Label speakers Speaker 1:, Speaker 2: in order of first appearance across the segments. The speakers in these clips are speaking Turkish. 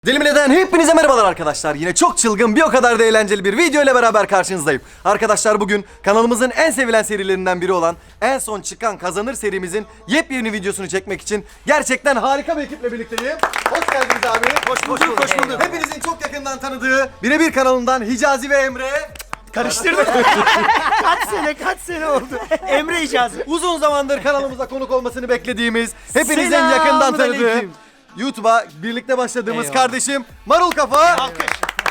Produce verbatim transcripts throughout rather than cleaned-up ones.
Speaker 1: Delimineden hepinize merhabalar arkadaşlar. Yine çok çılgın bir o kadar da eğlenceli bir video ile beraber karşınızdayım. Arkadaşlar bugün kanalımızın en sevilen serilerinden biri olan En Son Çıkan Kazanır serimizin yepyeni videosunu çekmek için gerçekten harika bir ekiple birlikteyim. Hoş geldiniz abi. Hoş bulduk, hoş bulduk. Hepinizin çok yakından tanıdığı Birebir kanalından Hicazi ve Emre.
Speaker 2: Karıştırdım. kaç sene kaç sene oldu. Emre Hicazi.
Speaker 1: Uzun zamandır kanalımıza konuk olmasını beklediğimiz, hepinizin
Speaker 2: Selamun
Speaker 1: yakından tanıdığı,
Speaker 2: aleyküm.
Speaker 1: YouTube'a birlikte başladığımız
Speaker 2: Eyvallah.
Speaker 1: kardeşim Marul Kafa.
Speaker 2: Alkış.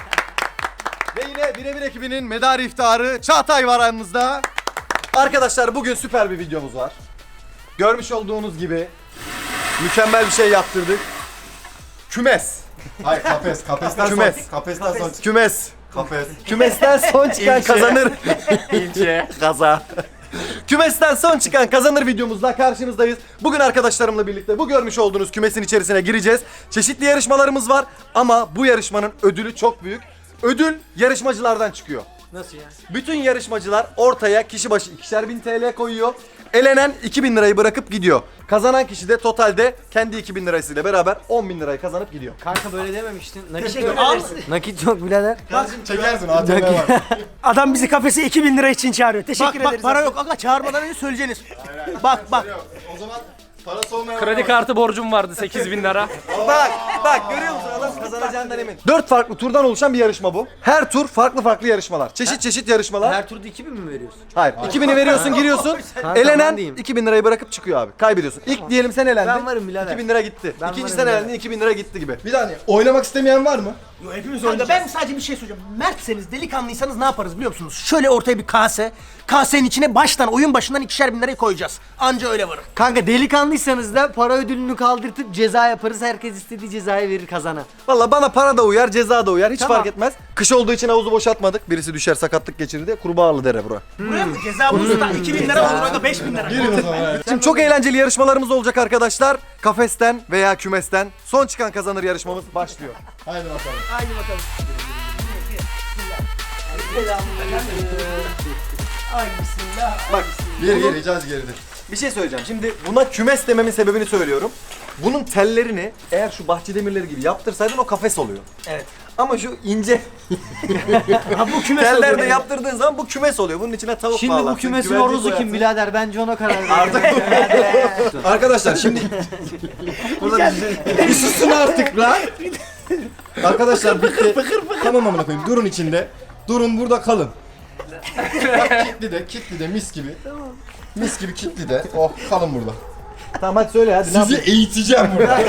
Speaker 1: Ve yine Birebir ekibinin medarı iftiharı Çağatay var aramızda. Arkadaşlar bugün süper bir videomuz var. Görmüş olduğunuz gibi mükemmel bir şey yaptırdık. Kümes.
Speaker 3: Hayır kafes, kafesten
Speaker 1: Kümes.
Speaker 3: son, kafesten son çık.
Speaker 1: Kümes.
Speaker 3: Kafes.
Speaker 1: Kümesten son çıkan
Speaker 2: İlçe.
Speaker 1: kazanır.
Speaker 2: İlçe.
Speaker 1: Kaza. Kümesten son çıkan kazanır videomuzla karşınızdayız. Bugün arkadaşlarımla birlikte bu görmüş olduğunuz kümesin içerisine gireceğiz. Çeşitli yarışmalarımız var ama bu yarışmanın ödülü çok büyük. Ödül yarışmacılardan çıkıyor.
Speaker 2: Nasıl ya?
Speaker 1: Bütün yarışmacılar ortaya kişi başı ikişer bin T L koyuyor. Elenen iki bin lirayı bırakıp gidiyor. Kazanan kişi de totalde kendi iki bin lirasıyla beraber on bin lirayı kazanıp gidiyor.
Speaker 4: Kanka böyle dememiştin. Nakit
Speaker 2: Teşekkür
Speaker 4: yok.
Speaker 2: ederiz.
Speaker 4: Nakit yok birader.
Speaker 3: Çekersin A T M var.
Speaker 2: Adam bizi kafese iki bin lira için çağırıyor. Teşekkür
Speaker 5: Bak bak
Speaker 2: ederiz.
Speaker 5: para
Speaker 2: abi.
Speaker 5: yok aga, çağırmadan önce söyleyeceksiniz. Bak bak.
Speaker 3: O zaman parası olmayan
Speaker 6: Kredi kartı borcum vardı sekiz bin lira.
Speaker 1: Bak bak görüyor musun adam kazanacağından emin. Dört farklı turdan oluşan bir yarışma bu. Her tur farklı farklı yarışmalar. Çeşit çeşit yarışmalar.
Speaker 4: Her turda iki bin mi veriyorsun?
Speaker 1: Hayır. iki bini veriyorsun giriyorsun.
Speaker 4: Kanka,
Speaker 1: Elenen
Speaker 4: ben diyeyim.
Speaker 1: iki bin lirayı bırakıp çıkıyor abi. Kaybediyorsun. İlk diyelim sen elendin.
Speaker 4: Ben varım birader.
Speaker 1: iki bin lira gitti.
Speaker 4: Ben
Speaker 1: İkinci
Speaker 4: varım
Speaker 1: sen
Speaker 4: birader.
Speaker 1: elendin iki bin lira gitti gibi.
Speaker 3: Bir tane oynamak istemeyen var mı?
Speaker 5: Yo, hepimiz oyunda. Ben sadece bir şey söyleyeceğim. Mertseniz, delikanlıysanız ne yaparız biliyor musunuz? Şöyle ortaya bir kase. Kasenin içine baştan, oyun başından ikişer bin lirayı koyacağız. Anca öyle varım.
Speaker 4: Kanka delikanlıysanız da para ödülünü kaldırtıp ceza yaparız. Herkes istediği cezayı verir kazana.
Speaker 1: Valla bana para da uyar, ceza da uyar. Hiç
Speaker 4: Tamam.
Speaker 1: fark etmez. Kış olduğu için havuzu boşaltmadık. Birisi düşer, sakatlık geçirir diye kurbağalı dere bura.
Speaker 5: Buraya mı? Ceza bulursa iki bin lira olur, orada beş bin lira.
Speaker 3: Girin o zaman. Evet.
Speaker 1: Şimdi çok eğlenceli yarışmalarımız olacak arkadaşlar. Kafesten veya kümesten son çıkan kazanır yarışmamız başlıyor.
Speaker 3: Haydi bakalım.
Speaker 5: Haydi bakalım. Ay bismillah.
Speaker 1: Bak
Speaker 3: Geri geri Hicazi geridir.
Speaker 1: bir şey söyleyeceğim. Şimdi buna kümes dememin sebebini söylüyorum. Bunun tellerini eğer şu bahçe demirleri gibi yaptırsaydın o kafes oluyor.
Speaker 5: Evet.
Speaker 1: Ama şu ince
Speaker 5: Ha bu kümes
Speaker 1: tellerde
Speaker 5: oluyor.
Speaker 1: yaptırdığın zaman bu kümes oluyor. Bunun içine tavuk
Speaker 4: Şimdi
Speaker 1: bağlarsın,
Speaker 4: bu kümesin
Speaker 1: güvercin
Speaker 4: horozu kim
Speaker 1: koyarsın.
Speaker 4: birader? Bence ona karar ver.
Speaker 1: Arkadaşlar şimdi burada bir susun artık lan.
Speaker 3: Arkadaşlar bitti. Tamam amına koyayım. Durun içinde. Durun burada kalın. Bak kitli de, kitli de mis gibi. Mis gibi kitli de. Oh kalın burada.
Speaker 1: Tamam hadi söyle hadi. ne
Speaker 3: Sizi
Speaker 1: yapayım?
Speaker 3: eğiteceğim burada.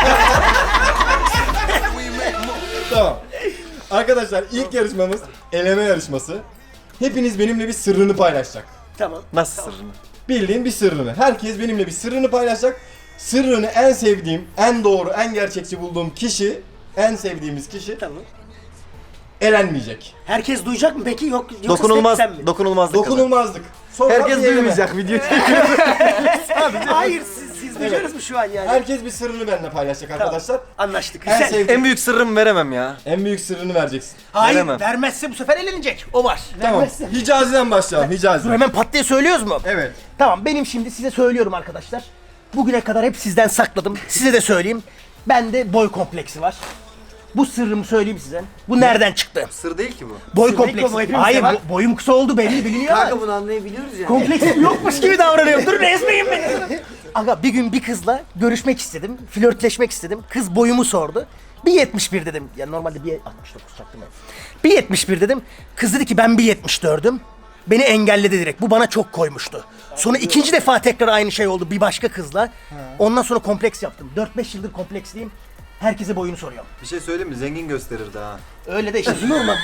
Speaker 3: Tamam. Arkadaşlar ilk yarışmamız eleme yarışması. Hepiniz benimle bir sırrını paylaşacak.
Speaker 5: Tamam.
Speaker 1: Nasıl sırrını?
Speaker 3: Bildiğin bir sırrını. Herkes benimle bir sırrını paylaşacak. Sırrını en sevdiğim, en doğru, en gerçekçi bulduğum kişi, en sevdiğimiz kişi
Speaker 5: Tamam.
Speaker 3: elenmeyecek.
Speaker 5: Herkes duyacak mı peki? Yok yoksa
Speaker 1: Dokunulmaz,
Speaker 5: sen mi?
Speaker 1: dokunulmazlık kadar.
Speaker 3: Dokunulmazlık. Sonra
Speaker 1: Herkes
Speaker 3: bir eleme.
Speaker 1: duymayacak video.
Speaker 5: Hayır siz, siz duyacaksınız mı şu an yani?
Speaker 3: Herkes bir sırrını benimle paylaşacak arkadaşlar.
Speaker 5: Anlaştık.
Speaker 3: En
Speaker 5: Güzel.
Speaker 3: sevdiğim,
Speaker 1: En büyük sırrımı veremem ya.
Speaker 3: en büyük sırrını vereceksin.
Speaker 5: Hayır
Speaker 1: veremem.
Speaker 5: vermezse bu sefer elenecek. O var.
Speaker 3: Tamam. Hicazi'den başlayalım. Hicazi.
Speaker 5: Dur hemen pat diye söylüyoruz mu?
Speaker 3: Evet.
Speaker 5: Tamam benim şimdi size söylüyorum arkadaşlar. Bugüne kadar hep sizden sakladım. Size de söyleyeyim. Bende boy kompleksi var. Bu sırrımı söyleyeyim size. Bu nereden çıktı?
Speaker 1: Sır değil ki bu.
Speaker 5: Boy
Speaker 2: Sır değil ki
Speaker 5: kompleksi.
Speaker 2: ama hepimizde
Speaker 5: Hayır
Speaker 2: var.
Speaker 5: bo- boyum kısa oldu belli biliniyor ama.
Speaker 4: Kanka bunu anlayabiliyoruz ya.
Speaker 5: Kompleksim yokmuş gibi davranıyorum. Dur ezmeyin beni. Aga bir gün bir kızla görüşmek istedim. Flörtleşmek istedim. Kız boyumu sordu. bir yetmiş bir dedim. Ya normalde bir altmış dokuz çaktım ben. bir yetmiş bir dedim. Kız dedi ki ben bir yetmiş dördüm. Beni engelledi direkt. Bu bana çok koymuştu. Sonra ikinci defa tekrar aynı şey oldu bir başka kızla. Ondan sonra kompleks yaptım. dört beş yıldır kompleksliyim. Herkese boyunu soruyorum.
Speaker 1: Bir şey söyleyeyim mi? Zengin gösterirdi ha.
Speaker 5: Öyle de işte normal.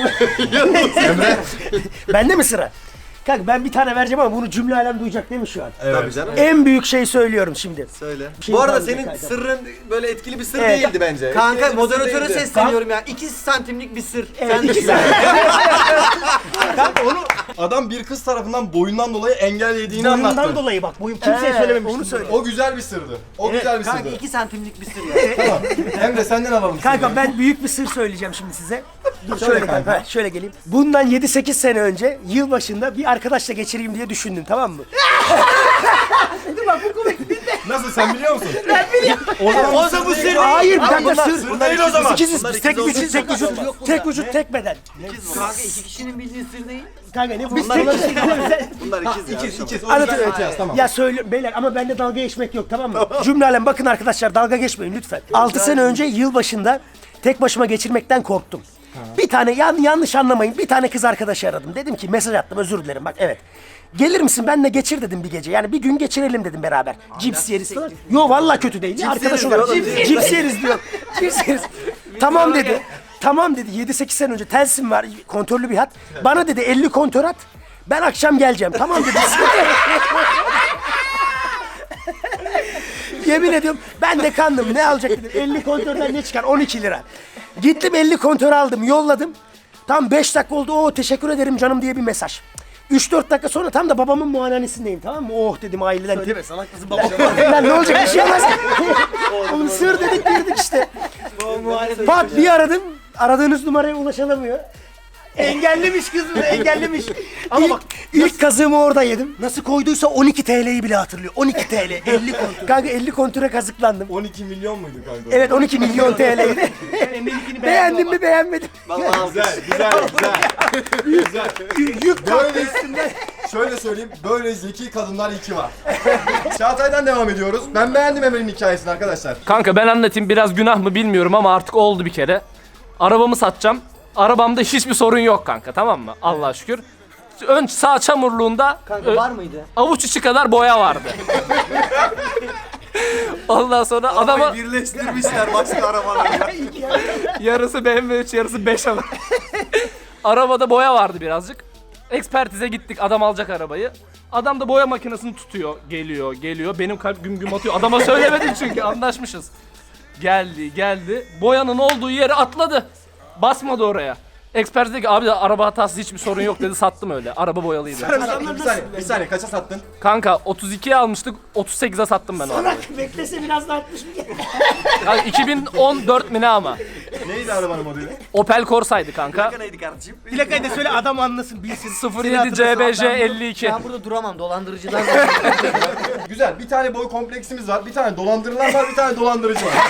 Speaker 5: Bende mi sıra? Kanka ben bir tane vereceğim ama bunu cümle alem duyacak değil mi şu an?
Speaker 1: Tabii canım.
Speaker 5: En büyük şey söylüyorum şimdi.
Speaker 1: Söyle.
Speaker 5: şey
Speaker 1: Bu arada
Speaker 5: kaldı
Speaker 1: senin
Speaker 5: kanka.
Speaker 1: sırrın böyle etkili bir sır
Speaker 5: Evet.
Speaker 1: değildi bence.
Speaker 4: Kanka
Speaker 1: Etkili bir sır
Speaker 4: moderatöre
Speaker 1: değildi.
Speaker 4: sesleniyorum ya. iki santimlik bir sır.
Speaker 5: Evet,
Speaker 4: Sen de
Speaker 5: iki
Speaker 4: söyle.
Speaker 3: Kanka onu adam bir kız tarafından boyundan dolayı engel yediğini
Speaker 5: Boyumdan
Speaker 3: anlattı.
Speaker 5: dolayı bak boyum kimseye söylememiştim.
Speaker 2: onu söyle.
Speaker 3: O güzel bir sırdı. O güzel bir
Speaker 4: Kanka
Speaker 3: sırdı.
Speaker 4: iki santimlik bir sır ya.
Speaker 3: Tamam. Hem de senden alalım.
Speaker 5: Kanka
Speaker 3: sırrı.
Speaker 5: ben büyük bir sır söyleyeceğim şimdi size. Dur
Speaker 3: Söyle
Speaker 5: şöyle
Speaker 3: kanka.
Speaker 5: kanka. Şöyle geleyim. Bundan yedi sekiz sene önce yılbaşında bir arkadaşla geçireyim diye düşündüm tamam mı? Dur bak bu komik.
Speaker 3: Nasıl sen biliyor musun? Ben biliyorum. O zaman,
Speaker 2: O zaman bu sır
Speaker 5: Hayır bir dakika
Speaker 2: bunlar-
Speaker 5: sır.
Speaker 2: bunlar değil o zaman.
Speaker 5: İkiziz
Speaker 1: Bunlar
Speaker 5: biz tek
Speaker 1: ikiz
Speaker 5: vücut
Speaker 1: olduğu
Speaker 5: tek
Speaker 1: için
Speaker 5: vücut
Speaker 1: yok.
Speaker 5: tek vücut tek beden.
Speaker 4: Kanka iki kişinin bildiği sır değil.
Speaker 5: Kanka ne biz tek vücut.
Speaker 1: Bunlar ikiz ya.
Speaker 3: ikiz ikiz. O
Speaker 5: Anlatıyorum.
Speaker 3: yüzden öteyaz, tamam.
Speaker 5: Ya söyle beyler ama bende dalga geçmek yok tamam mı? Cümle alem bakın arkadaşlar dalga geçmeyin lütfen. altı sene önce yılbaşında tek başıma geçirmekten korktum. Bir tane yan, yanlış anlamayın bir tane kız arkadaşı aradım. Dedim ki mesaj attım özür dilerim bak evet. Gelir misin benle geçir dedim bir gece. Yani bir gün geçirelim dedim beraber. Cips yeriz falan. Yo vallahi kötü değil. Arkadaş olarak. Cips, cips yeriz diyor. Cips yeriz. Tamam dedi. Tamam dedi. yedi sekiz sene önce Telsim var. Kontörlü bir hat. Bana dedi elli kontör at. Ben akşam geleceğim. Tamam dedi. Yemin ediyorum ben de kandım. Ne alacak dedim. elli kontörden ne çıkar? on iki lira. Gittim elli kontör aldım. Yolladım. Tam beş dakika oldu. Oo teşekkür ederim canım diye bir mesaj. üç dört dakika sonra tam da babamın muayenehanesindeyim tamam mı? Oh dedim aileden.
Speaker 2: Söyleme salak kızım babam.
Speaker 5: Lan ne olacak bir şey olmaz. Oğlum sır dedik girdik işte. Pat bir aradım. Aradığınız numaraya ulaşılamıyor. Engellemiş kızım engellemiş. Ama bak ilk kazığımı orada yedim. Nasıl koyduysa on iki T L'yi bile hatırlıyor. on iki T L elli kontür. Kanka elli kontüre kazıklandım.
Speaker 3: on iki milyon muydu kanka?
Speaker 5: Evet on iki milyon T L'ydi. Beğendim mi beğenmedim.
Speaker 3: Güzel, güzel, güzel. güzel.
Speaker 5: Yük
Speaker 3: Böyle şöyle söyleyeyim, böyle zeki kadınlar iki var. Çağatay'dan devam ediyoruz. Ben beğendim Emre'nin hikayesini arkadaşlar.
Speaker 6: Kanka ben anlatayım, biraz günah mı bilmiyorum ama artık oldu bir kere. Arabamı satacağım. Arabamda hiçbir sorun yok kanka, tamam mı? Allah'a şükür. Ön sağ çamurluğunda
Speaker 4: Kanka
Speaker 6: ö-
Speaker 4: var mıydı?
Speaker 6: avuç içi kadar boya vardı. Ondan sonra adama
Speaker 1: Birleştirmişler başka arabalarla.
Speaker 6: yarısı B M W üç yarısı beş ama. Arabada boya vardı birazcık. Ekspertize gittik, adam alacak arabayı. Adam da boya makinesini tutuyor, geliyor, geliyor. Benim kalp güm güm atıyor. Adama söylemedim çünkü anlaşmışız. Geldi, geldi. Boyanın olduğu yere atladı. Basmadı oraya. Ekspert dedi ki abi de araba hatası hiçbir sorun yok dedi, sattım öyle. Araba boyalıydı.
Speaker 3: Bir saniye, bir saniye kaça sattın?
Speaker 6: Kanka otuz ikiye almıştık, otuz sekize sattım ben o arabayı.
Speaker 5: beklese biraz daha altmış mı?
Speaker 6: Yani iki bin on dört mi ne ama?
Speaker 3: Neydi arabanın modeli?
Speaker 6: Opel Corsa'ydı kanka.
Speaker 1: Neydi kardeşim?
Speaker 2: Plakayı da söyle adam anlasın bilsin.
Speaker 6: sıfır yedi C B J elli iki.
Speaker 4: Ben burada duramam dolandırıcıdan.
Speaker 3: Güzel, bir tane boy kompleksimiz var, bir tane dolandırılan var, bir tane dolandırıcı var.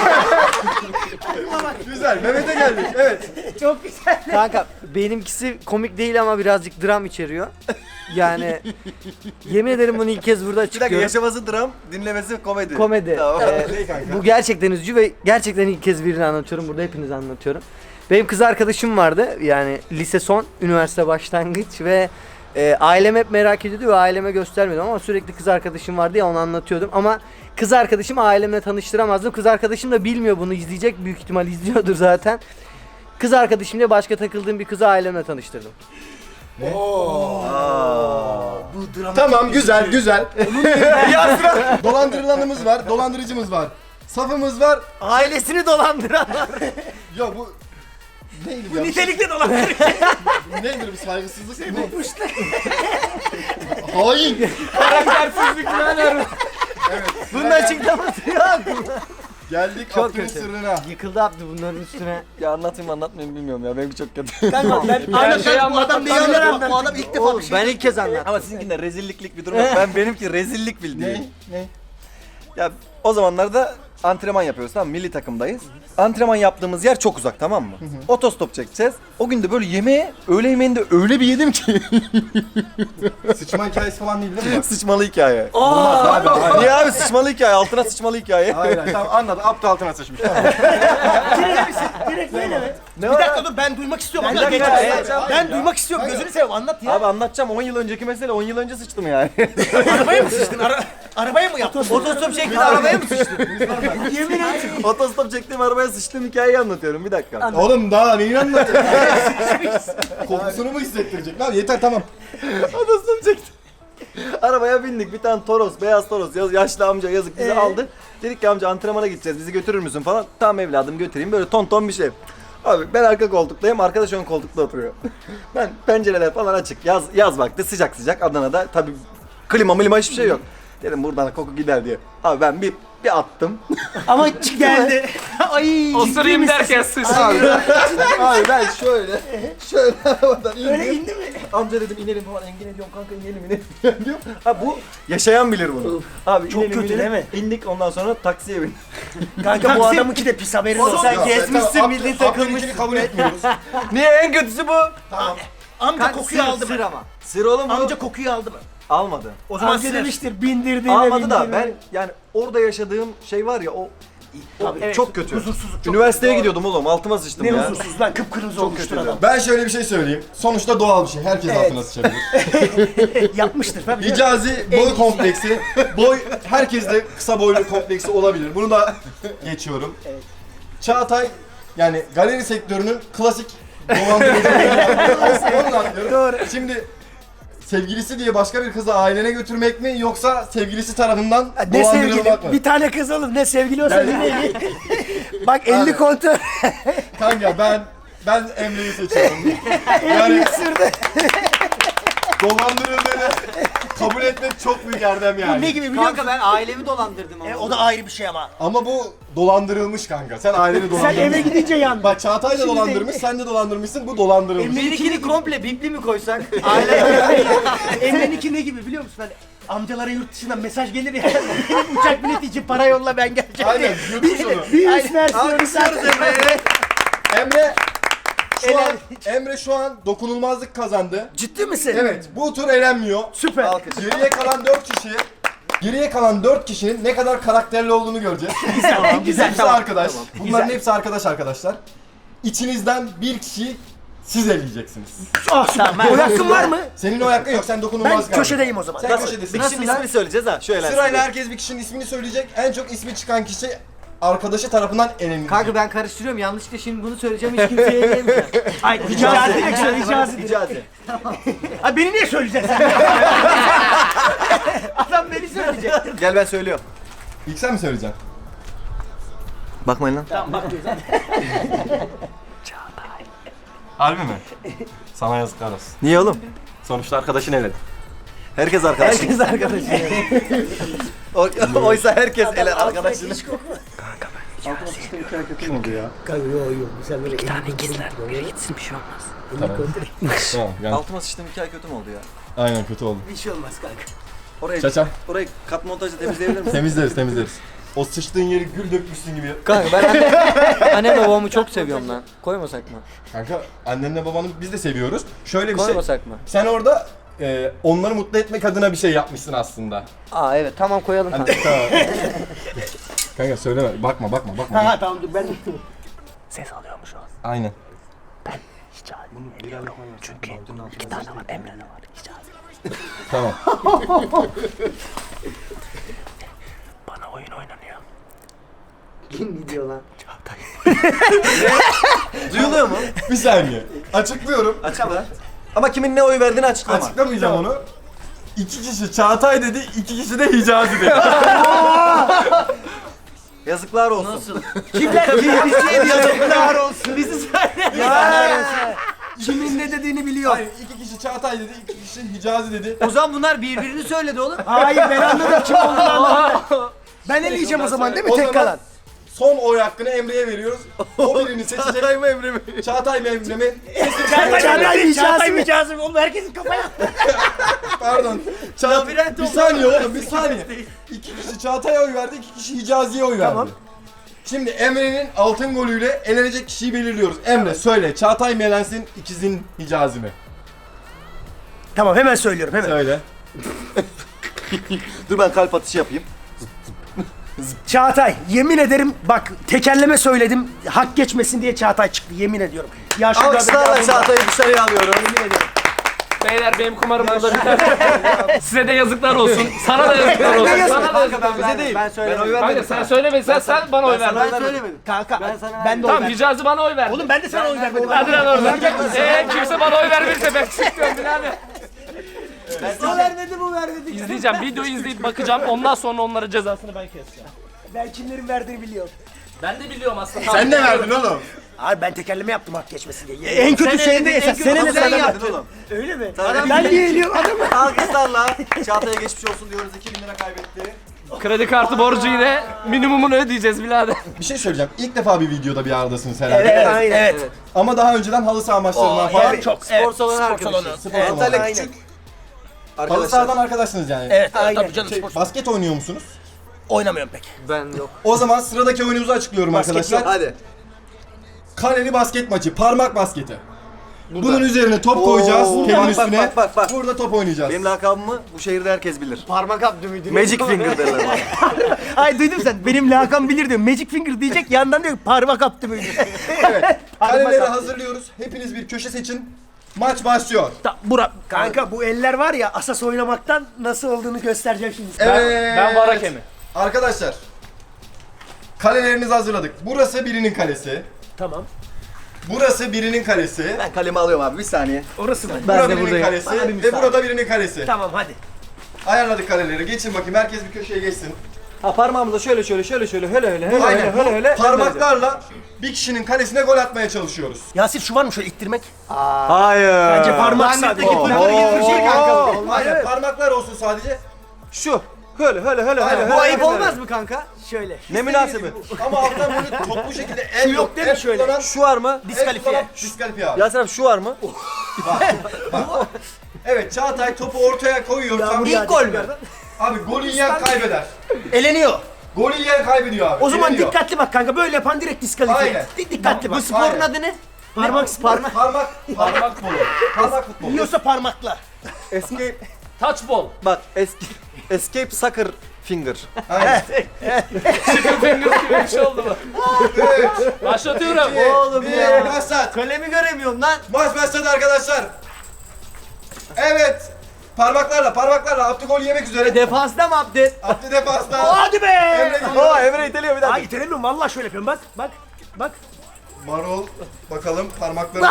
Speaker 3: Güzel, Mehmet'e geldik, evet.
Speaker 5: Çok güzel.
Speaker 4: Kanka benimkisi komik değil ama birazcık dram içeriyor. Yani yemin ederim bunu ilk kez burada
Speaker 1: Bir dakika,
Speaker 4: açıklıyorum.
Speaker 1: yaşaması dram, dinlemesi komedi.
Speaker 4: Komedi.
Speaker 1: Tamam.
Speaker 4: Ee,
Speaker 3: Ne kanka?
Speaker 4: bu gerçekten üzücü ve gerçekten ilk kez birini anlatıyorum. Burada hepinize anlatıyorum. Benim kız arkadaşım vardı. Yani lise son, üniversite başlangıç ve e, ailem hep merak ediyordu ve aileme göstermiyordum ama sürekli kız arkadaşım vardı ya onu anlatıyordum ama kız arkadaşımı ailemle tanıştıramazdım. Kız arkadaşım da bilmiyor bunu, izleyecek, büyük ihtimal izliyordur zaten. Kız arkadaşımla başka takıldığım bir kızı ailemle tanıştırdım.
Speaker 3: Tamam, güzel, güzel. Ya sıra. Dolandırılanımız var, dolandırıcımız var. Safımız var.
Speaker 4: Ailesini dolandıran.
Speaker 3: Ya bu... Neydi bu ya?
Speaker 2: Nitelikli dolandırıcı.
Speaker 3: Nedir bu saygısızlık? Bu... Hain.
Speaker 6: Karaktersizlik lan.
Speaker 4: Bunun açıklaması yok.
Speaker 3: Geldik
Speaker 4: Çok
Speaker 3: Abdü'nün
Speaker 4: kötü.
Speaker 3: sırrına.
Speaker 4: Yıkıldı Abdü bunların üstüne.
Speaker 1: Ya anlatayım mı anlatmayayım bilmiyorum ya, benimki çok kötü.
Speaker 2: Kanka ben
Speaker 6: Her şeyi
Speaker 2: bu adam
Speaker 6: anlat.
Speaker 2: neyi anlatıyor? Bu adam ilk defa
Speaker 4: Oğlum
Speaker 2: bir şey.
Speaker 4: ben ilk kez anlattım.
Speaker 1: Ama sizinkinde rezilliklik bir durum yok. Ben benimki rezillik bildiğin.
Speaker 3: Ne? Ne?
Speaker 1: Ya o zamanlarda antrenman yapıyoruz, tamam mı? Milli takımdayız. Antrenman yaptığımız yer çok uzak, tamam mı? Otostop çekeceğiz. O gün de böyle yemeğe, öğle yemeğinde öyle bir yedim ki.
Speaker 3: Sıçma hikayesi falan değil değil mi?
Speaker 1: Sıçmalı hikaye.
Speaker 3: Olmaz abi. Hayır.
Speaker 1: Niye abi, sıçmalı hikaye, altına sıçmalı hikaye.
Speaker 3: Hayır, hayır. Tamam anladım. Abdü altına sıçmış. Tamam.
Speaker 5: Direkt böyle mi?
Speaker 1: Ne
Speaker 2: Bir
Speaker 1: var
Speaker 2: dakika
Speaker 1: abi?
Speaker 2: dur ben duymak istiyorum.
Speaker 1: Bir
Speaker 2: Anlat
Speaker 1: dakika,
Speaker 2: geç.
Speaker 1: evet, abi.
Speaker 2: Ben duymak istiyorum. Gözünü seveyim anlat ya.
Speaker 1: Abi anlatacağım, on yıl önceki mesele, on yıl önce sıçtım yani.
Speaker 2: Arabaya mı sıçtın? Ara arabaya mı yaptın?
Speaker 4: Otostop çekti arabaya mı sıçtın?
Speaker 1: Yemin ederim. Otostop çektiğim arabaya sıçtığım hikayeyi anlatıyorum, bir dakika.
Speaker 3: Oğlum daha neyin anlatıyorsun? Kokusunu mu hissettirecek lan? Yeter tamam.
Speaker 1: Otostop çektim. Arabaya bindik, bir tane Toros, beyaz Toros, yaz- yaşlı amca yazık bizi aldı. Dedik ki amca antrenmana gideceğiz, bizi götürür müsün falan. Tamam evladım götüreyim, böyle ton ton bir şey. Abi ben arka koltuktayım, arkadaş ön koltukta oturuyor. Ben pencereler falan açık, yaz yaz vakti sıcak sıcak Adana'da tabii klima milima hiçbir şey yok. Dedim buradan koku gider diye. Abi ben bir bir attım.
Speaker 5: Ama ç- geldi. Ay
Speaker 6: Osurayım derken sıçtı.
Speaker 1: Abi ben, abi ben şöyle şöyle arabadan indim.
Speaker 5: Öyle indi mi?
Speaker 1: Amca dedim inelim falan. Engin ediyorum kanka inelim inelim diyor. Ha bu yaşayan bilir bunu. Abi
Speaker 5: Çok
Speaker 1: inelim,
Speaker 5: kötü
Speaker 1: inelim.
Speaker 5: değil mi?
Speaker 1: İndik ondan sonra taksiye bindik.
Speaker 5: Kanka bu adamınki de pis haberin olsun.
Speaker 3: Ya, tamam, Abdül- Abdülhamid'i kabul etmiyoruz.
Speaker 1: Niye en kötüsü bu?
Speaker 5: Amca kokuyu aldı mı?
Speaker 4: ama.
Speaker 1: Sır oğlum bu.
Speaker 5: Amca kokuyu aldı mı?
Speaker 1: Almadı.
Speaker 5: O zaman
Speaker 4: Amca
Speaker 5: sır.
Speaker 4: demiştir
Speaker 5: bindirdiğine
Speaker 1: Almadı da ben yani orada yaşadığım şey var ya o, o
Speaker 5: evet,
Speaker 1: çok kötü.
Speaker 5: huzursuzluk çok
Speaker 1: Üniversiteye gidiyordum oğlum altıma sıçtım
Speaker 5: Ne
Speaker 1: ya.
Speaker 5: huzursuz lan kıpkırmızı olmuştur
Speaker 1: kötü.
Speaker 5: adam.
Speaker 3: Ben şöyle bir şey söyleyeyim. Sonuçta doğal bir şey. Herkes altına sıçabilir.
Speaker 5: Yapmıştır tabii. canım.
Speaker 3: Hicazi boy kompleksi. Boy herkeste kısa boylu kompleksi olabilir. Bunu da geçiyorum. Çağatay yani galeri sektörünün klasik dolandırıcılığı. Onu da anlıyorum.
Speaker 5: Doğru.
Speaker 3: Şimdi sevgilisi diye başka bir kızı ailene götürmek mi yoksa sevgilisi tarafından
Speaker 5: Ne sevgili?
Speaker 3: dolandırılmak mı?
Speaker 5: Bir tane kız oğlum ne sevgili olsa
Speaker 3: Yani-
Speaker 5: yine iyi. Bak elli kontör.
Speaker 3: Kanka ben ben Emre'yi seçiyorum.
Speaker 5: elli
Speaker 3: Yani
Speaker 5: sürdü.
Speaker 3: dolandırıldığını kabul etmek çok büyük erdem yani.
Speaker 5: Ne gibi biliyor musun?
Speaker 4: Kanka ben ailemi dolandırdım ama.
Speaker 5: E, o da ayrı bir şey ama.
Speaker 3: Ama bu dolandırılmış kanka. Sen aileni
Speaker 5: Sen
Speaker 3: dolandırmışsın.
Speaker 5: eve gidince yandın.
Speaker 3: Bak Çağatay da
Speaker 5: Şimdi
Speaker 3: dolandırmış,
Speaker 5: değil.
Speaker 3: sen de dolandırmışsın, bu dolandırılmış.
Speaker 4: Benimkini komple bipli mi koysak?
Speaker 5: Emre'ninki ne gibi biliyor musun? Hani amcalara yurt dışından mesaj gelir ya. Benim uçak bileti için para yolla ben geleceğim
Speaker 3: Aynen,
Speaker 5: diye.
Speaker 3: yutmuş onu.
Speaker 5: Bir üst versiyonu zaten.
Speaker 3: Emre şu an, Emre şu an dokunulmazlık kazandı.
Speaker 5: Ciddi misin?
Speaker 3: Evet, bu tur elenmiyor.
Speaker 5: Süper.
Speaker 3: Geriye kalan dört kişi, geriye kalan dört kişinin ne kadar karakterli olduğunu göreceğiz.
Speaker 5: Güzel, güzel.
Speaker 3: Hepsi arkadaş. Bunların
Speaker 5: Güzel.
Speaker 3: hepsi arkadaş arkadaşlar. İçinizden bir kişiyi siz eleyeceksiniz.
Speaker 5: Ah süper. O hakkın var mı?
Speaker 3: Senin o hakkın yok, sen
Speaker 5: Ben
Speaker 3: dokunulmazlık aldın.
Speaker 5: köşedeyim o zaman.
Speaker 3: Sen köşedesin.
Speaker 1: Bir kişinin ismini söyleyeceğiz ha şöyle.
Speaker 3: Sırayla herkes bir kişinin ismini söyleyecek. En çok ismi çıkan kişi arkadaşı tarafından elenecek.
Speaker 4: Kanka ben karıştırıyorum. Yanlışlıkla şimdi bunu söyleyeceğim hiç kimseye eleyemeyeceğim.
Speaker 5: Ay Hicazi direkt söyle Hicazi direkt.
Speaker 1: Hicazi.
Speaker 5: Ha beni niye söyleyeceksin sen? Adam beni söyleyecek.
Speaker 1: Gel ben söylüyorum.
Speaker 3: İlk sen mi söyleyeceksin?
Speaker 1: Bakmayın lan.
Speaker 3: Harbi mi? Sana yazıklar olsun.
Speaker 1: Niye oğlum?
Speaker 3: Sonuçta arkadaşın eledi.
Speaker 1: Herkes arkadaş.
Speaker 5: Herkes arkadaşı.
Speaker 1: O- Oysa herkes eler arkadaşını.
Speaker 5: Kanka yok yok. Sen böyle
Speaker 4: Tane gitsinler. Biri gitsin bir şey olmaz.
Speaker 3: Tamam yani.
Speaker 1: Altıma sıçtım iki ay kötü mü oldu ya?
Speaker 3: Aynen kötü oldu.
Speaker 5: bir şey olmaz kanka.
Speaker 1: Orayı,
Speaker 3: Çaça.
Speaker 1: orayı kat montajla temizleyebilir misin?
Speaker 3: Temizleriz temizleriz. O sıçtığın yeri gül dökmüşsün gibi.
Speaker 4: Kanka ben anne, annemle babamı çok seviyorum lan. Koymasak mı?
Speaker 3: Kanka annenle babanı biz de seviyoruz. Şöyle bir şey.
Speaker 4: Koymasak mı?
Speaker 3: Sen orada e, onları mutlu etmek adına bir şey yapmışsın aslında.
Speaker 4: Aa evet tamam koyalım kanka.
Speaker 3: Tamam. Kanka söyleme. Bakma bakma bakma.
Speaker 5: Ha tamam dur ben ses alıyormuş o.
Speaker 3: Aynen.
Speaker 5: Çünkü iki tane var Emre de var Hicazi.
Speaker 3: Tamam.
Speaker 5: Bana oyun oynanıyor.
Speaker 4: Kim gidiyor lan?
Speaker 1: Duyuluyor mu?
Speaker 3: Bir saniye. Açıklıyorum.
Speaker 1: Açıkla. Ama kimin ne oy verdiğini açıklama.
Speaker 3: Açıklamayacağım onu. İki kişi Çağatay dedi, iki kişi de Hicazi dedi.
Speaker 1: Yazıklar olsun.
Speaker 4: Nasıl?
Speaker 5: Kimler kim bizi yazıklar olsun. Bizi söyle. Kimin ne dediğini biliyor.
Speaker 3: Hayır, iki kişi Çağatay dedi, iki kişi Hicazi dedi.
Speaker 4: O zaman bunlar birbirini söyledi oğlum.
Speaker 5: Hayır ben anladım kim olduğunu anladım. Ben eleyeceğim o zaman değil mi
Speaker 3: O
Speaker 5: tek
Speaker 3: zaman
Speaker 5: kalan?
Speaker 3: Son oy hakkını Emre'ye veriyoruz. O birini seçecek.
Speaker 1: Çağatay mı Emre mi?
Speaker 3: Çağatay mı Emre mi?
Speaker 5: Çağatay mı Çağatay mı Hicazi mi? Oğlum herkesin kafaya.
Speaker 3: Pardon. Çağatay, bir saniye oğlum, bir saniye. İki kişi Çağatay'a oy verdi, iki kişi Hicazi'ye oy verdi.
Speaker 5: Tamam.
Speaker 3: Şimdi Emre'nin altın golüyle elenecek kişiyi belirliyoruz. Emre söyle, Çağatay mı elensin, ikizin Hicazi mi?
Speaker 5: Tamam hemen söylüyorum hemen.
Speaker 3: Söyle.
Speaker 1: Dur ben kalp atışı yapayım.
Speaker 5: Çağatay yemin ederim bak tekerleme söyledim hak geçmesin diye Çağatay çıktı yemin ediyorum. Ya şurada
Speaker 1: Alkışlarla
Speaker 5: bir-
Speaker 1: Çağatay'ı dışarıya alıyorum.
Speaker 5: Yemin ederim.
Speaker 6: Beyler benim kumarım burada biter. Size de yazıklar olsun. Sana da yazıklar olsun. Sana da yazıklar olsun.
Speaker 1: Bize değil.
Speaker 4: Ben
Speaker 1: Ben
Speaker 4: söylemedim.
Speaker 1: oy
Speaker 6: Kanka
Speaker 1: vermedim.
Speaker 6: sen söyleme sen, sen bana oy ver.
Speaker 4: Ben söylemedim.
Speaker 5: Kanka
Speaker 4: Ben
Speaker 5: ben,
Speaker 4: sana
Speaker 5: ben de oy
Speaker 6: Tamam
Speaker 5: verdim.
Speaker 6: Hicazi bana oy verdi.
Speaker 5: Oğlum ben de sana oy vermedim.
Speaker 6: Hadi lan oradan. Eee kimse bana oy vermezse ben çıkıyorum birader.
Speaker 5: O vermedi bu vermedi.
Speaker 6: İzleyeceğim videoyu izleyip bakacağım ondan sonra onların cezasını ben keseceğim.
Speaker 5: Ben kimlerin verdiğini biliyorum.
Speaker 6: Ben de biliyorum aslında.
Speaker 3: Sen ne verdin oğlum?
Speaker 2: Abi ben tekerleme yaptım hak geçmesin diye.
Speaker 5: En kötü şey de esas. Sen
Speaker 1: Sen
Speaker 5: sen
Speaker 1: yedin oğlum.
Speaker 2: Öyle mi?
Speaker 1: Tabii.
Speaker 2: Ben niye eliyorum adamı?
Speaker 1: Alkışlarla Çağatay'a geçmiş olsun diyoruz. iki bin lira kaybetti.
Speaker 6: Kredi kartı borcu yine minimumunu ödeyeceğiz birader.
Speaker 3: Bir şey söyleyeceğim. İlk defa bir videoda bir aradasınız herhalde.
Speaker 2: Evet, aynen. Evet.
Speaker 3: Ama daha önceden halı saha maçlarından falan.
Speaker 2: Evet, çok.
Speaker 1: Spor salonu
Speaker 2: spor
Speaker 1: arkadaşı.
Speaker 2: salonu.
Speaker 3: Spor
Speaker 2: Evet,
Speaker 3: salonu.
Speaker 1: Antalya
Speaker 2: aynen.
Speaker 1: küçük.
Speaker 3: Halı
Speaker 1: Arkadaşlar.
Speaker 3: sahadan arkadaşsınız yani.
Speaker 2: Evet,
Speaker 5: Aynen.
Speaker 2: tabii canım
Speaker 3: Şey,
Speaker 2: spor.
Speaker 3: basket oynuyor musunuz?
Speaker 2: Oynamıyorum pek.
Speaker 4: Ben yok.
Speaker 3: O zaman sıradaki oyunumuzu açıklıyorum
Speaker 2: Basket
Speaker 3: arkadaşlar.
Speaker 2: yok.
Speaker 1: Hadi.
Speaker 3: Kaleli basket maçı, parmak basketi. Bunun üzerine top koyacağız,
Speaker 1: Oo.
Speaker 3: telin
Speaker 1: Bak, bak,
Speaker 3: üstüne.
Speaker 1: bak, bak, bak.
Speaker 3: Burada top oynayacağız.
Speaker 1: Benim lakabımı bu şehirde herkes bilir.
Speaker 4: Parmak abdü müydü?
Speaker 1: Magic Finger derler bana.
Speaker 5: Ay duydum sen. Benim lakam bilir diyor. Magic Finger diyecek yandan diyor parmak attı mıydı?
Speaker 3: Evet. Kaleleri hazırlıyoruz. Hepiniz bir köşe seçin. Maç başlıyor.
Speaker 2: Ta, Burak. Kanka bu eller var ya asas oynamaktan nasıl olduğunu göstereceğim şimdi.
Speaker 3: Evet.
Speaker 6: Ben var hakemi.
Speaker 3: Arkadaşlar. Kalelerinizi hazırladık. Burası birinin kalesi.
Speaker 2: Tamam.
Speaker 3: Burası birinin kalesi.
Speaker 1: Ben kalemi alıyorum abi bir saniye.
Speaker 2: Orası mı?
Speaker 3: Burada
Speaker 4: de
Speaker 3: birinin
Speaker 4: buradayım.
Speaker 3: kalesi
Speaker 2: Bana bir
Speaker 3: ve
Speaker 2: müsaade.
Speaker 3: burada birinin kalesi.
Speaker 2: Tamam hadi.
Speaker 3: Ayarladık kaleleri. Geçin bakayım. Herkes bir köşeye geçsin.
Speaker 1: Ha parmağımızla şöyle şöyle şöyle şöyle hele hele hele
Speaker 3: Aynen.
Speaker 1: hele hele hele.
Speaker 3: Parmaklarla bir kişinin kalesine gol atmaya çalışıyoruz.
Speaker 2: Yasir şu var mı şöyle ittirmek?
Speaker 1: Hayır.
Speaker 2: Bence parmak sadece.
Speaker 1: Oo,
Speaker 2: Bunları
Speaker 1: oo,
Speaker 2: getirecek
Speaker 1: oo.
Speaker 2: kanka.
Speaker 3: Aynen. Parmaklar olsun sadece.
Speaker 1: Şu. Hele hele hele
Speaker 3: Aynen.
Speaker 1: hele.
Speaker 3: Bu
Speaker 1: hele,
Speaker 4: Ayıp
Speaker 1: hele.
Speaker 4: olmaz mı kanka?
Speaker 5: Şöyle.
Speaker 1: Ne münasebet.
Speaker 3: Ama alttan böyle toplu şekilde el
Speaker 2: Şu yok değil mi
Speaker 3: el
Speaker 2: şöyle?
Speaker 3: kullanan-
Speaker 1: Şu var mı?
Speaker 3: el
Speaker 2: Diskalifiye.
Speaker 3: kullanan Diskalifiye abi.
Speaker 1: Yasin abi şu var mı?
Speaker 3: Evet, Çağatay topu ortaya koyuyor. Tam-
Speaker 2: İlk gol mü?
Speaker 3: Abi golü yiyen kaybeder.
Speaker 2: Eleniyor.
Speaker 3: Golü yiyen kaybediyor abi.
Speaker 2: O zaman
Speaker 3: Eleniyor.
Speaker 2: dikkatli bak kanka. Böyle yapan direkt diskalifiye.
Speaker 3: Aynen.
Speaker 2: Di- Dikkatli bak.
Speaker 3: Bu sporun
Speaker 4: adı ne?
Speaker 2: Parmak parmak.
Speaker 3: Parmak, parmak futbolu. Parmak futbolu.
Speaker 2: Yiyorsa parmakla.
Speaker 1: Escape.
Speaker 6: Touch ball.
Speaker 1: Bak eski. Escape Soccer Finger.
Speaker 3: Aynen.
Speaker 6: Chicken fingers gibi bir şey oldu mu?
Speaker 3: üç,
Speaker 6: Başlatıyorum.
Speaker 4: Oğlum
Speaker 3: bir,
Speaker 4: ya.
Speaker 3: başlat.
Speaker 4: Kalemi göremiyorum lan.
Speaker 3: Maç başladı arkadaşlar. Evet. Parmaklarla, parmaklarla Abdü gol yemek üzere.
Speaker 4: Defansta mı Abdü?
Speaker 3: Abdü defasta.
Speaker 2: Hadi be.
Speaker 3: Emre geliyor.
Speaker 1: Oo Emre iteliyor bir dakika.
Speaker 2: Ay itelemiyorum vallahi şöyle yapıyorum bak. Bak. Bak.
Speaker 3: Marul. Bakalım parmakları.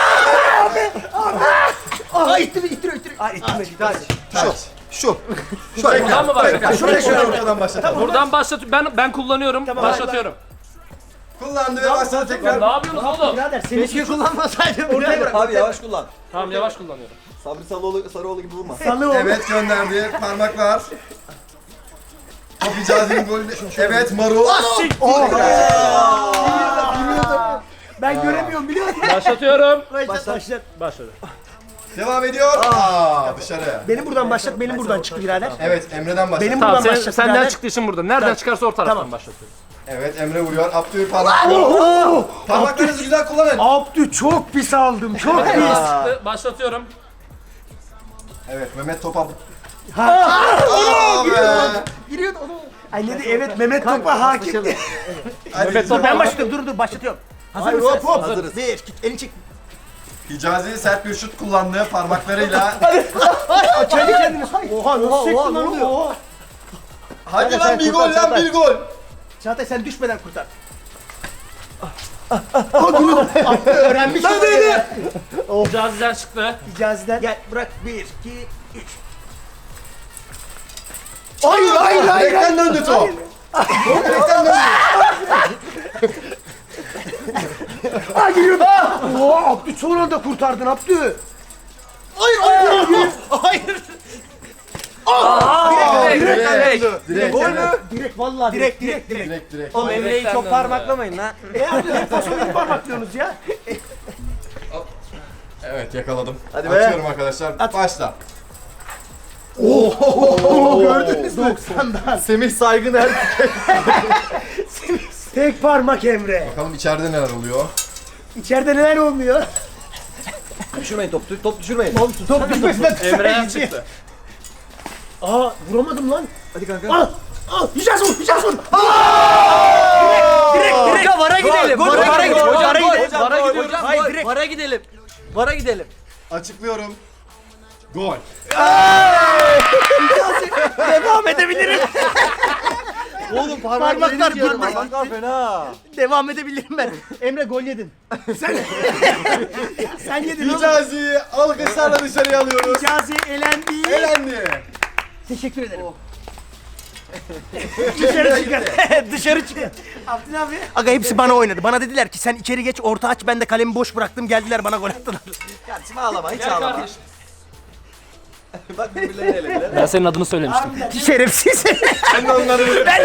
Speaker 2: Aa ittiriyor ittiriyor ittiriyor. Ay ittirmedi.
Speaker 1: Şu. Şu.
Speaker 6: Buradan mı başlatalım?
Speaker 3: Şöyle şöyle ortadan başlatalım.
Speaker 6: Buradan başlat. Ben ben kullanıyorum. Başlatıyorum.
Speaker 3: Kullandı ve başladı
Speaker 6: Ya
Speaker 3: tekrar.
Speaker 6: ne yapıyorsunuz oğlum?
Speaker 2: Birader seni
Speaker 4: Keşke kullanmasaydım.
Speaker 2: ortaya bırak.
Speaker 1: Abi yavaş kullan.
Speaker 6: Tamam yavaş kullanıyorum.
Speaker 1: Sabri Sarıoğlu, Sarıoğlu gibi vurma.
Speaker 2: Salı oldu.
Speaker 3: Evet gönderdi. Parmaklar. Top Hicazi'nin golü. Evet Marul.
Speaker 2: Ben göremiyorum biliyor musun?
Speaker 6: Başlatıyorum.
Speaker 2: Başlat başlat.
Speaker 6: Başladı.
Speaker 3: Devam ediyor. Aa dışarı.
Speaker 2: Benim buradan başlat, benim buradan çıktı birader.
Speaker 3: Evet Emre'den başladı.
Speaker 2: Benim
Speaker 6: Tamam
Speaker 2: buradan
Speaker 6: sen,
Speaker 2: başlat
Speaker 6: senden
Speaker 2: birader.
Speaker 6: çıktı işin burada. Nereden çıkarsa o taraftan
Speaker 2: Tamam.
Speaker 6: başlatıyorum.
Speaker 3: Evet Emre vuruyor. Abdü parmak. Parmaklarınızı güzel kullanın.
Speaker 2: Abdü çok pis aldım, çok pis.
Speaker 6: Çıktı. Başlatıyorum.
Speaker 3: Evet Mehmet topa. Aa be.
Speaker 2: Giriyordu onu. Ay ne de evet Mehmet Top'a hakim.
Speaker 3: Hadi
Speaker 6: Mehmet Top'a-
Speaker 2: Ben başlatıyorum, dur dur başlatıyorum. Hazır mısın?
Speaker 1: hop, hop.
Speaker 2: Hazırız. Bir, iki, elini çek.
Speaker 3: Hicazi sert bir şut kullandı parmaklarıyla.
Speaker 2: Kendi kendine. Oha nasıl çektin
Speaker 4: oha, ne
Speaker 2: lan
Speaker 4: oluyor?
Speaker 2: oha.
Speaker 3: Hadi
Speaker 2: Sen
Speaker 3: lan bir
Speaker 2: kurtar,
Speaker 3: gol lan
Speaker 2: Çağatay.
Speaker 3: bir gol.
Speaker 2: Çağatay sen düşmeden kurtar. Abdü öğrenmiş onu ya.
Speaker 6: Caziden çıktı.
Speaker 2: Hicaziden. Gel bırak. Bir, iki, üç. Hayır hayır hayır.
Speaker 3: Direkten döndü top. Direkten döndü.
Speaker 2: Aa giriyordu. Oha Abdü son anda kurtardın Abdü. Hayır hayır hayır.
Speaker 3: Aa,
Speaker 6: Direkt,
Speaker 3: direkt.
Speaker 6: direkt.
Speaker 3: Direkt.
Speaker 2: Gol
Speaker 3: evet.
Speaker 2: mü? Direkt vallahi direkt direkt direkt.
Speaker 3: Direkt direkt.
Speaker 4: Oğlum Emre'yi
Speaker 6: Direkten
Speaker 4: çok
Speaker 6: döndü.
Speaker 4: parmaklamayın lan.
Speaker 2: E Abdü hep fason parmaklıyorsunuz ya.
Speaker 3: Evet yakaladım.
Speaker 1: Hadi be.
Speaker 3: Açıyorum arkadaşlar. Başla.
Speaker 2: Oo gördünüz mü? doksandan.
Speaker 1: Semih Saygın er.
Speaker 2: Tek parmak Emre.
Speaker 3: Bakalım içeride neler oluyor.
Speaker 2: İçeride neler olmuyor?
Speaker 1: Düşürmeyin top, top düşürmeyin.
Speaker 2: Top düşmesinden
Speaker 6: Emre'den çıktı.
Speaker 2: Aa vuramadım lan.
Speaker 1: Hadi kanka.
Speaker 2: Al. Al. Hicaz vur. Hicaz vur.
Speaker 4: Direkt vara gidelim.
Speaker 1: gol,
Speaker 4: Vara
Speaker 1: gol,
Speaker 4: gidelim.
Speaker 1: gol,
Speaker 4: Vara
Speaker 1: gol,
Speaker 4: gidelim.
Speaker 1: hocam,
Speaker 4: Vara
Speaker 1: gol,
Speaker 4: gidiyoruz.
Speaker 1: hocam,
Speaker 4: Hayır
Speaker 1: gol.
Speaker 4: direkt. Vara gidelim. Vara gidelim.
Speaker 3: Açıklıyorum. Gol.
Speaker 2: Devam edebilirim.
Speaker 4: Oğlum
Speaker 2: Parmaklar
Speaker 4: diyorum.
Speaker 2: burada.
Speaker 1: Parmaklar fena.
Speaker 2: Devam edebilirim ben. Emre gol yedin. Sen Sen yedin oğlum.
Speaker 3: Hicazi'yi alkışlarla dışarıya alıyoruz.
Speaker 2: Hicazi elendi.
Speaker 3: Elendi.
Speaker 2: Teşekkür ederim.
Speaker 5: Dışarı çıkın. Dışarı çıkın. Abdin abi. Aga hepsi bana oynadı. Bana dediler ki sen içeri geç orta aç, ben de kalemi boş bıraktım, geldiler bana gol attılar.
Speaker 1: Kardeşim ağlama hiç
Speaker 6: Gel
Speaker 1: ağlama.
Speaker 6: kardeşim.
Speaker 1: Bak birbirlerine ele bile.
Speaker 6: Ben senin adını söylemiştim.
Speaker 5: Şerefsiz.
Speaker 1: Ben de onları
Speaker 5: ben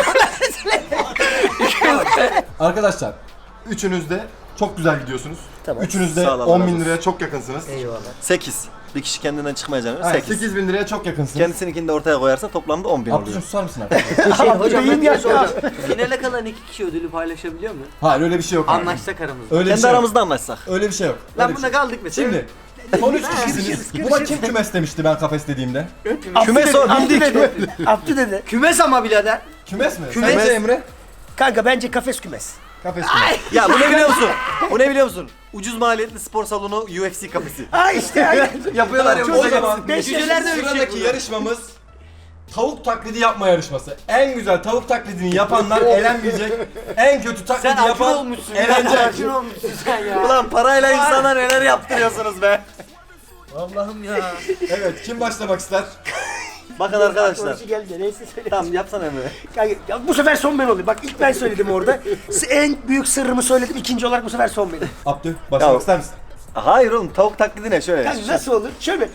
Speaker 3: Arkadaşlar üçünüz de çok güzel gidiyorsunuz.
Speaker 5: Tamam.
Speaker 3: Üçünüz de
Speaker 1: Sağ ol, Allah
Speaker 3: on
Speaker 1: razı
Speaker 3: bin
Speaker 1: olsun.
Speaker 3: liraya çok yakınsınız.
Speaker 5: Eyvallah.
Speaker 1: sekiz. Bir kişi kendinden çıkmayacağını
Speaker 3: Aynen,
Speaker 1: sekiz.
Speaker 3: sekiz bin liraya çok yakınsınız.
Speaker 1: Kendisininkini de ortaya koyarsa toplamda on bin oluyor.
Speaker 3: Abdücüm susar mısın arkadaşlar?
Speaker 4: Şey, hocam ben bir
Speaker 5: ya.
Speaker 4: şey soracağım. Finale kalan iki kişi ödülü paylaşabiliyor mu?
Speaker 3: Hayır öyle bir şey yok. abi.
Speaker 4: Anlaşsak aramızda.
Speaker 3: Öyle bir
Speaker 1: Kendi
Speaker 3: şey yok.
Speaker 1: aramızda anlaşsak.
Speaker 3: Öyle bir şey yok.
Speaker 4: Lan
Speaker 3: Öyle bir
Speaker 4: bunda
Speaker 3: şey yok.
Speaker 4: kaldık mesela.
Speaker 3: Şimdi son üç kişisiniz. Buna kim kümes demişti ben kafes dediğimde?
Speaker 1: Küme sor
Speaker 5: Abdü
Speaker 1: bildik.
Speaker 5: dedi. Abdü dedi.
Speaker 4: Kümes ama birader.
Speaker 3: Kümes mi?
Speaker 1: Kümes.
Speaker 3: Sence Emre?
Speaker 5: Kanka bence kafes kümes.
Speaker 3: Kafes kümes.
Speaker 1: Ya bu ne biliyor musun? Bu ne biliyor musun? Ucuz maliyetli spor salonu U F C kapısı.
Speaker 5: Ha işte aynen.
Speaker 1: Yapıyorlar ya.
Speaker 3: O zaman
Speaker 5: Beş
Speaker 3: cüceler de
Speaker 5: yaşında
Speaker 3: sıradaki yarışmamız tavuk taklidi yapma yarışması. En güzel tavuk taklidini yapanlar elenmeyecek. En kötü taklidi
Speaker 4: Sen acı
Speaker 3: yapan
Speaker 4: olmuşsun.
Speaker 3: elenecek.
Speaker 4: Acı olmuşsun sen ya.
Speaker 1: Ulan parayla insana neler yaptırıyorsunuz be.
Speaker 4: Allah'ım ya.
Speaker 3: Evet, kim başlamak ister?
Speaker 1: Bakın arkadaşlar.
Speaker 5: Sonucu geldi neyse söyle.
Speaker 1: Tamam yapsana Emre.
Speaker 5: Kanka, ya bu sefer son ben olayım. Bak ilk ben söyledim orada. S- En büyük sırrımı söyledim. İkinci olarak bu sefer son benim.
Speaker 3: Abdü, başlamak
Speaker 1: Ya.
Speaker 3: ister misin?
Speaker 1: Hayır oğlum tavuk taklidi ne şöyle.
Speaker 5: Kanka nasıl olur? Şöyle.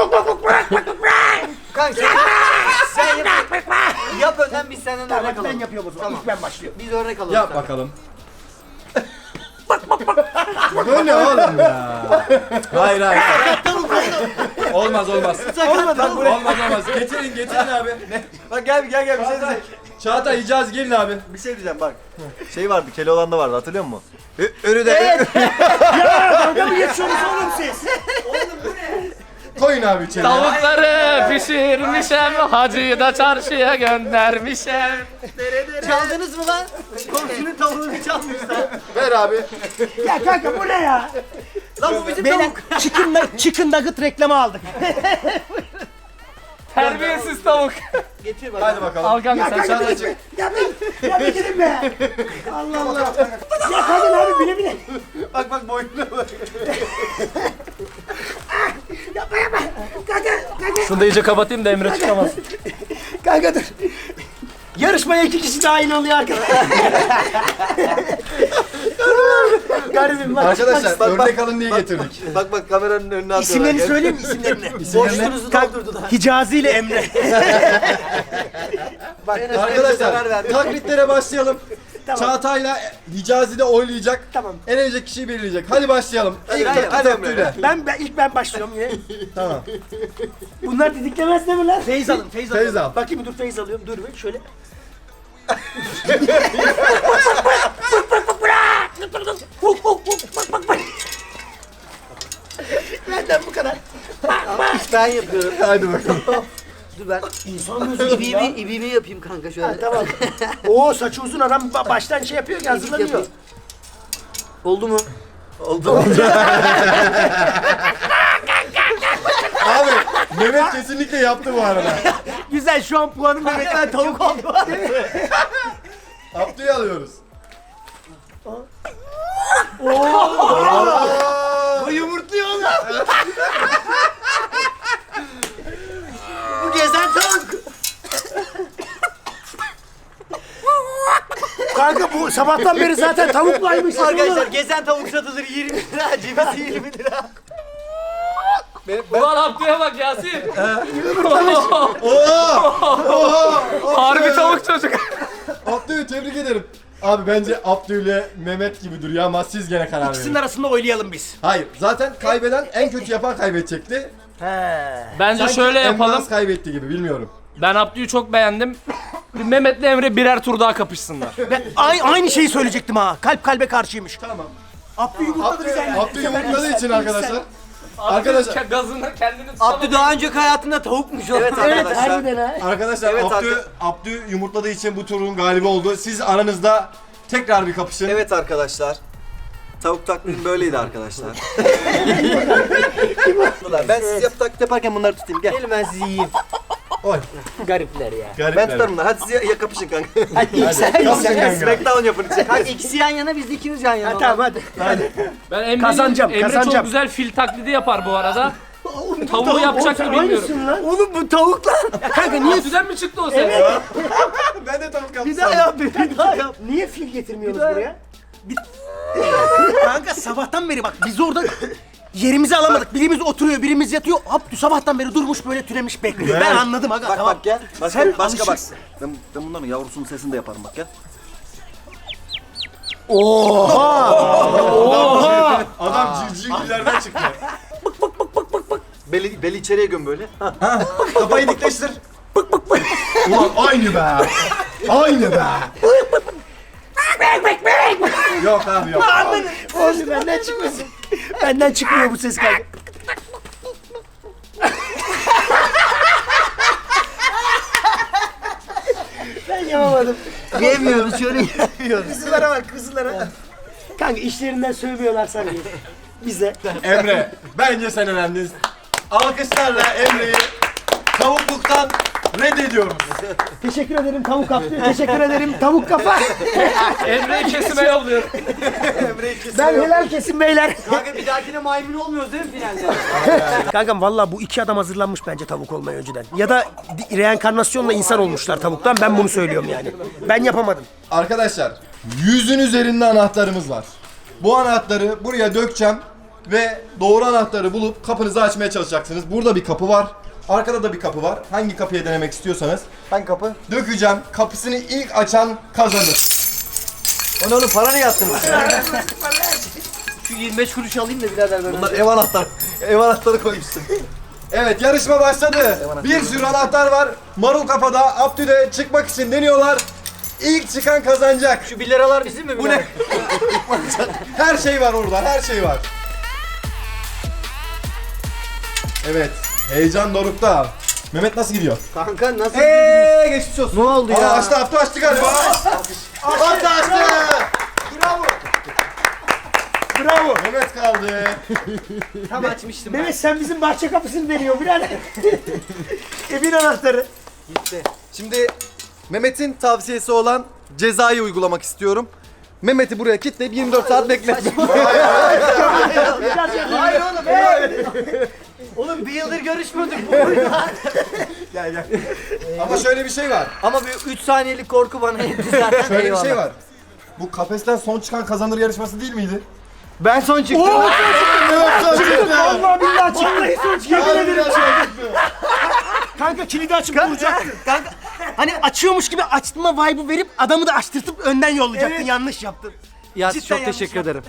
Speaker 4: Kanka sen yap. Yap önden biz senden
Speaker 5: Tamam
Speaker 4: örnek
Speaker 5: hadi ben
Speaker 4: alalım.
Speaker 5: yapıyorum o zaman. İlk ben başlıyorum.
Speaker 4: Biz örnek alalım.
Speaker 3: Yap
Speaker 4: senden.
Speaker 3: bakalım. Bu ne oğlum ya? Hayır hayır. Olmaz olmaz.
Speaker 1: Olmadı lan buraya.
Speaker 3: Olmaz olmaz. Getirin getirin abi. Ne?
Speaker 1: Bak gel gel gel bir şey
Speaker 3: Çağatay,
Speaker 1: diyeceğim.
Speaker 3: Çağatay Hicaz gelin abi.
Speaker 1: Bir şey diyeceğim bak. Şey vardı Keloğlan'da vardı hatırlıyor musun? Ö- Örü de
Speaker 5: Kanka mı geçiyorsunuz oğlum siz?
Speaker 3: Koyun abi içeri.
Speaker 6: Tavukları pişirmişem, hacıyı da çarşıya göndermişem.
Speaker 4: Çaldınız mı lan? Komşunun tavuğunu çalmışlar.
Speaker 3: Ver abi.
Speaker 5: Ya kanka bu ne ya?
Speaker 4: Lan bu bizim
Speaker 5: Beyler
Speaker 4: tavuk.
Speaker 5: chicken, nug- chicken nugget reklamı aldık.
Speaker 6: Terbiyesiz tavuk.
Speaker 4: Getir bak.
Speaker 3: Hadi bakalım.
Speaker 6: Al kanka
Speaker 5: Ya
Speaker 6: sen
Speaker 5: kanka
Speaker 6: çal.
Speaker 5: bir çık. Ya ben, ya bir gidin be. Allah Allah. Ya kadın abi bile bile.
Speaker 1: bak bak boynuna bak.
Speaker 5: Yapma yapma. Kanka, kanka,
Speaker 6: Şunu da iyice kapatayım da Emre çıkamaz.
Speaker 5: kanka dur. Yarışmaya iki kişi dahil oluyor arkadaşlar. Garibim bak.
Speaker 3: Arkadaşlar
Speaker 1: Bak, bak.
Speaker 3: örnek alın diye getirdik.
Speaker 1: Bak bak kameranın önüne atıyorlar.
Speaker 5: İsimlerini
Speaker 1: Gel.
Speaker 5: söyleyeyim mi isimlerini?
Speaker 1: Boşluğunuzu
Speaker 5: Kanka,
Speaker 1: doldurdular.
Speaker 5: Hicazi ile Emre.
Speaker 1: Bak zarar
Speaker 3: Arkadaşlar
Speaker 1: verdi.
Speaker 3: taklitlere başlayalım.
Speaker 5: Tamam.
Speaker 3: Çağatay'la Hicazi de oylayacak.
Speaker 5: Tamam.
Speaker 3: Elenecek kişiyi belirleyecek. Hadi başlayalım. İlk
Speaker 1: hadi,
Speaker 3: taklit
Speaker 1: hadi
Speaker 3: Abdü'yle.
Speaker 5: Ben, ben ilk ben başlıyorum yine.
Speaker 3: Tamam.
Speaker 5: Bunlar didiklemez değil mi lan? Feyz alın, feyz alın.
Speaker 3: Feyz al.
Speaker 5: Bakayım dur feyz alıyorum. Dur bir şöyle. Benden bu kadar.
Speaker 4: Ben yapıyorum.
Speaker 3: Hadi bakalım.
Speaker 4: Dur ben. İbiğimi, ibiğimi yapayım kanka şöyle.
Speaker 5: Tamam. Oo saçı uzun adam ba- baştan şey yapıyor ki hazırlanıyor.
Speaker 4: yapayım. Oldu mu?
Speaker 3: Abi Mehmet kesinlikle yaptı bu arada.
Speaker 5: Güzel şu an puanım Mehmet'ten tavuk oldu.
Speaker 3: Abdü'yü alıyoruz.
Speaker 4: Bu yumurtluyor oğlum. Bu gezen tavuk.
Speaker 5: Kanka bu sabahtan beri zaten tavuklaymış.
Speaker 4: Arkadaşlar gezen tavuk satılır yirmi lira, cevizi yirmi lira.
Speaker 6: Ulan Abdü'ye bak Yasin. Harbi tavuk çocuk.
Speaker 3: Abdü'yü tebrik ederim. Abi bence Abdü ile Mehmet gibi duruyor ama siz gene karar
Speaker 5: İkisinin
Speaker 3: verin.
Speaker 5: arasında oylayalım biz.
Speaker 3: Hayır zaten kaybeden en kötü yapan kaybedecekti.
Speaker 5: He.
Speaker 6: Bence
Speaker 3: Sanki
Speaker 6: şöyle
Speaker 3: en
Speaker 6: yapalım.
Speaker 3: az kaybetti gibi bilmiyorum.
Speaker 6: Ben Abdü'yü çok beğendim. Mehmet'le Emre birer tur daha kapışsınlar.
Speaker 5: Ben ay- aynı şeyi söyleyecektim ha. Kalp kalbe karşıymış.
Speaker 3: Tamam.
Speaker 5: Abdü yumurtladı
Speaker 3: Abdü,
Speaker 5: bize.
Speaker 3: Abdü yumurtladığı için arkadaşlar. Arkadaşlar-
Speaker 6: Abdü gazını kendini tutamadı.
Speaker 4: Abdü daha önceki hayatında tavukmuş oğlum.
Speaker 1: Evet
Speaker 5: Evet
Speaker 1: arkadaşlar.
Speaker 5: harbiden ha.
Speaker 3: Arkadaşlar
Speaker 1: Evet,
Speaker 3: Abdü,
Speaker 1: arka-
Speaker 3: Abdü yumurtladığı için bu turun galibi oldu. Siz aranızda tekrar bir kapışın.
Speaker 1: Evet arkadaşlar. Tavuk taklidin böyleydi arkadaşlar. ben siz yap taklit yaparken bunları tutayım gel.
Speaker 4: Gelin ben sizi yiyeyim.
Speaker 3: Oy.
Speaker 5: Garipler ya.
Speaker 3: Garipler.
Speaker 1: Ben tutarım bunları. Hadi siz ya, ya kapışın kanka.
Speaker 5: Hadi ilk sen. ilk
Speaker 3: Kapışın
Speaker 5: sen.
Speaker 3: kanka.
Speaker 1: Smackdown yapın içeri.
Speaker 4: Kanka ikisi yan yana biz de ikimiz yan yana.
Speaker 5: Ha, tamam hadi.
Speaker 6: Ben Emre'nin,
Speaker 5: Kazanacağım,
Speaker 6: Emre
Speaker 5: kazanacağım.
Speaker 6: çok güzel fil taklidi yapar bu arada. Tavuğu yapacak mı bilmiyorum.
Speaker 2: Aynısın lan.
Speaker 4: Oğlum bu tavuk lan.
Speaker 2: Kanka niye
Speaker 6: Abdüden mi çıktı o ses?
Speaker 3: Ben de tavuk yaptım.
Speaker 4: Bir daha yap, bir daha yap.
Speaker 2: niye fil getirmiyorsunuz buraya? Kanka sabahtan beri bak biz orada yerimizi alamadık. Birimiz oturuyor, birimiz yatıyor. Abdü sabahtan beri durmuş böyle türemiş bekliyor. Ben anladım aga.
Speaker 1: Bak
Speaker 2: tamam.
Speaker 1: bak gel. Başka,
Speaker 2: Sen
Speaker 1: başka bak.
Speaker 2: alışıksın.
Speaker 1: Ben, ben bunların yavrusunun sesini de yaparım bak gel.
Speaker 3: Adam civcivlerden çıktı.
Speaker 1: Beli, beli içeriye göm böyle.
Speaker 3: Kafayı dikleştir. Ulan aynı be. Aynı be. Yok abi yok.
Speaker 2: Oğlum benden çıkmasın. Benden çıkmıyor bu ses kanka. Ben yapamadım.
Speaker 4: Yemiyoruz şöyle.
Speaker 2: Kızılara bak kızılara. Kanka işlerinden sövmüyorlar sanki. Bize.
Speaker 3: Emre, bence sen önemlisin. Alkışlarla Emre'yi tavukluktan reddediyoruz.
Speaker 2: Teşekkür ederim tavuk kaptı. Teşekkür ederim tavuk kafa.
Speaker 6: Emre'yi kesime yolluyorum.
Speaker 2: Ben helal kesin beyler.
Speaker 4: Kanka bir dahakine maymun olmuyoruz değil mi finalde?
Speaker 2: Kankam valla bu iki adam hazırlanmış bence tavuk olmaya önceden. Ya da di- reenkarnasyonla insan olmuşlar tavuktan. Ben bunu söylüyorum yani. Ben yapamadım.
Speaker 3: Arkadaşlar, yüzün üzerinde anahtarımız var. Bu anahtarı buraya dökeceğim ve doğru anahtarı bulup kapınızı açmaya çalışacaksınız. Burada bir kapı var. Arkada da bir kapı var. Hangi kapıya denemek istiyorsanız.
Speaker 1: Hangi kapı?
Speaker 3: Dökeceğim. Kapısını ilk açan kazanır.
Speaker 1: Onu onu para ne yaptınız?
Speaker 4: Şu yirmi beş kuruş alayım da birader ben.
Speaker 1: Bunlar ev anahtarı. Ev anahtarı koymuşsun.
Speaker 3: Evet, yarışma başladı. Bir sürü anahtar var. Marul kafada, Abdü'de çıkmak için deniyorlar. İlk çıkan kazanacak.
Speaker 4: Şu bir liralar bizim mi?
Speaker 3: Bu ne? Her şey var orada, her şey var. Evet, heyecan dorukta. Mehmet nasıl gidiyor?
Speaker 4: Kanka nasıl?
Speaker 1: Eee geçmiş olsun.
Speaker 4: Ne oldu
Speaker 3: Aa,
Speaker 4: ya?
Speaker 3: açtı, Abdü açtı galiba. Abdü açtı.
Speaker 2: Bravo.
Speaker 3: Mehmet kaldı.
Speaker 4: Tam açmıştım ben.
Speaker 2: Mehmet sen bizim bahçe kapısını deniyor birader. Evin anahtarı.
Speaker 1: Şimdi Mehmet'in tavsiyesi olan cezayı uygulamak istiyorum. Mehmet'i buraya kilitleyip yirmi dört saat bekletmek.
Speaker 4: Hayır oğlum. Hey! Oğlum bir yıldır görüşmüyorduk bu oyunda.
Speaker 3: Ama şöyle bir şey var.
Speaker 4: Ama bir üç saniyelik korku bana yetti zaten.
Speaker 3: Şöyle bir
Speaker 4: Eyvallah.
Speaker 3: şey var. Bu kafesten son çıkan kazanır yarışması değil miydi?
Speaker 4: Ben son çıktım.
Speaker 3: Evet, son çıktı.
Speaker 2: Allah billahi çıktı. Sonuç yemin ederim. Kanka kilidi açıp vuracaktın. Kanka hani açıyormuş gibi açtırma vibe'ı verip adamı da açtırtıp önden yollayacaktın. Yanlış yaptın.
Speaker 4: Ya
Speaker 2: Cidden
Speaker 4: çok
Speaker 2: yanlış
Speaker 4: teşekkür ederim.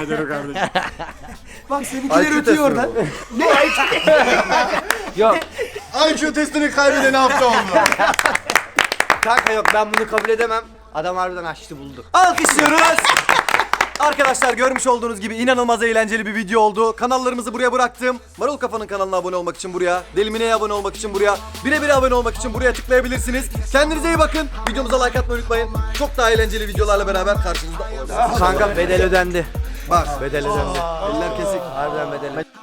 Speaker 2: Bak seninkiler
Speaker 1: I Q
Speaker 2: ötüyor
Speaker 1: testi
Speaker 2: oradan.
Speaker 1: bu.
Speaker 2: Ne I Q?
Speaker 6: Yok.
Speaker 3: I Q testini kaybedeni hafta oldu.
Speaker 4: Kanka yok ben bunu kabul edemem. Adam harbiden açtı buldu.
Speaker 1: Alkışlıyoruz. Arkadaşlar görmüş olduğunuz gibi inanılmaz eğlenceli bir video oldu. Kanallarımızı buraya bıraktım. Marul Kafa'nın kanalına abone olmak için buraya, Delimine'ye abone olmak için buraya, Birebir'e abone olmak için buraya tıklayabilirsiniz. Kendinize iyi bakın. Videomuza like atmayı unutmayın. Çok daha eğlenceli videolarla beraber karşınızda olacağız.
Speaker 4: Kanka bedel ödendi.
Speaker 1: Bak
Speaker 4: Bedel ödendi.
Speaker 1: eller kesik.
Speaker 4: Harbiden bedel ödendi.